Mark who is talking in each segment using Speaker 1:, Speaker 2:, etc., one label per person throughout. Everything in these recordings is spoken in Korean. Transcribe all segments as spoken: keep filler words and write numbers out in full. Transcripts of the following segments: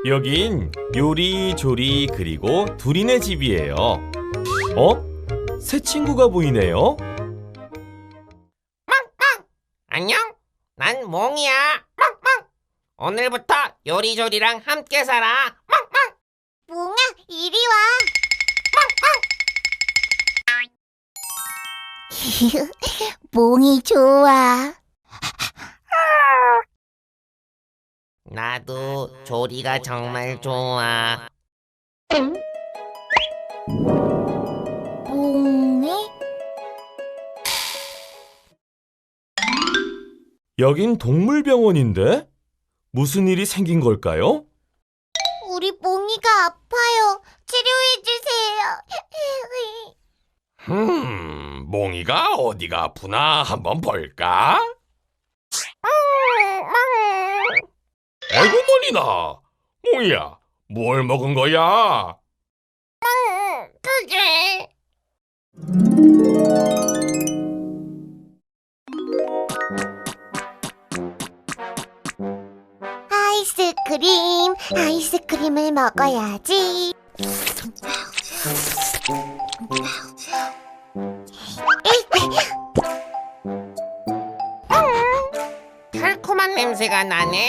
Speaker 1: 여긴 요리조리 그리고 둘이네 집이에요. 어? 새 친구가 보이네요.
Speaker 2: 안녕, 난 몽이야. 멍멍. 오늘부터 요리조리랑 함께 살아. 멍멍.
Speaker 3: 몽아, 이리 와. 몽이 좋아.
Speaker 2: 나도 조리가 정말 좋아.
Speaker 3: 몽이?
Speaker 1: 여긴 동물병원인데? 무슨 일이 생긴 걸까요?
Speaker 3: 우리 몽이가 아파요. 치료해주세요.
Speaker 4: 음, 몽이가 어디가 아프나 한번 볼까? 아이고 머리나, 몽이야, 뭘 먹은 거야?
Speaker 2: 그게
Speaker 3: 아이스크림, 아이스크림을 먹어야지.
Speaker 2: 달콤한 냄새가 나네.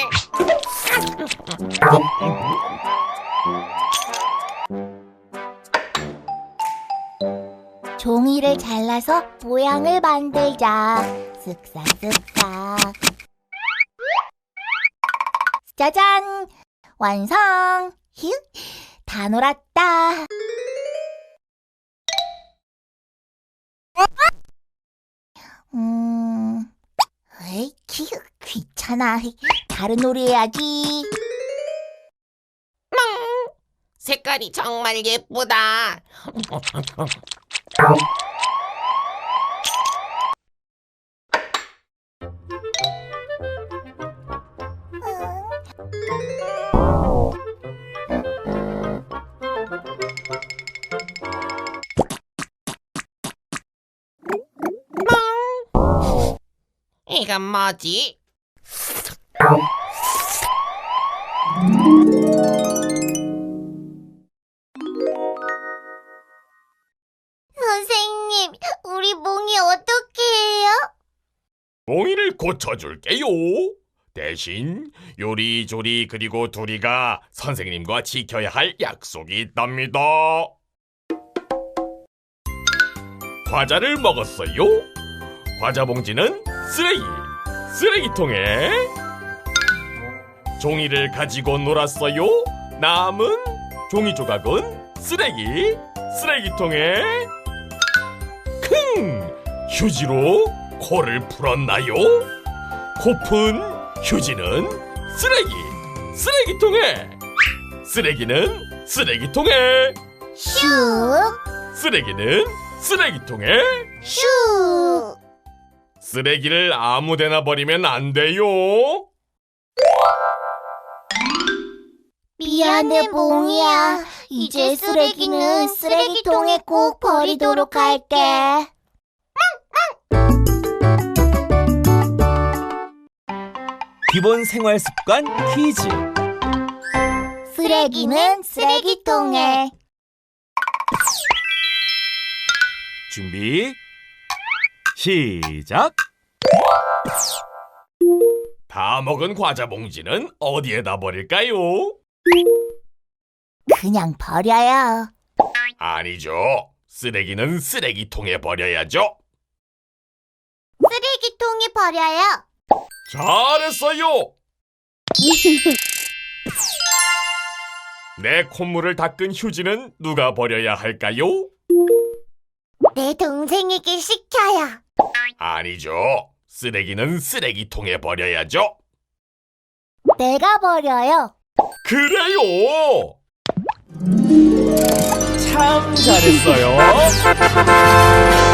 Speaker 3: 종이를 잘라서 모양을 만들자. 쓱싹쓱싹. 짜잔! 완성! 휴! 다 놀았다. 음... 에이, 키, 귀찮아. 다른 놀이 해야지.
Speaker 2: 색깔이 정말 예쁘다. 이건 뭐지?
Speaker 3: 선생님, 우리 몽이 어떻게 해요?
Speaker 4: 몽이를 고쳐줄게요. 대신 요리조리 그리고 둘이가 선생님과 지켜야 할 약속이 있답니다. 과자를 먹었어요. 과자 봉지는 쓰레기, 쓰레기통에. 종이를 가지고 놀았어요. 남은 종이 조각은 쓰레기, 쓰레기통에. 킁! 휴지로 코를 풀었나요? 코푼 휴지는 쓰레기, 쓰레기통에. 쓰레기는 쓰레기통에.
Speaker 3: 슉!
Speaker 4: 쓰레기는 쓰레기통에.
Speaker 3: 슉!
Speaker 4: 쓰레기를 아무데나 버리면 안 돼요.
Speaker 3: 미안해, 몽이야. 이제 쓰레기는 쓰레기통에 꼭 버리도록 할게.
Speaker 1: 기본 생활 습관 퀴즈.
Speaker 3: 쓰레기는 쓰레기통에.
Speaker 1: 준비, 시작.
Speaker 4: 다 먹은 과자 봉지는 어디에다 버릴까요?
Speaker 3: 그냥 버려요.
Speaker 4: 아니죠. 쓰레기는 쓰레기통에 버려야죠.
Speaker 3: 쓰레기통에 버려요.
Speaker 4: 잘했어요. 내 콧물을 닦은 휴지는 누가 버려야 할까요?
Speaker 3: 내 동생에게 시켜요.
Speaker 4: 아니죠. 쓰레기는 쓰레기통에 버려야죠.
Speaker 3: 내가 버려요.
Speaker 4: 그래요.
Speaker 1: 참 잘했어요.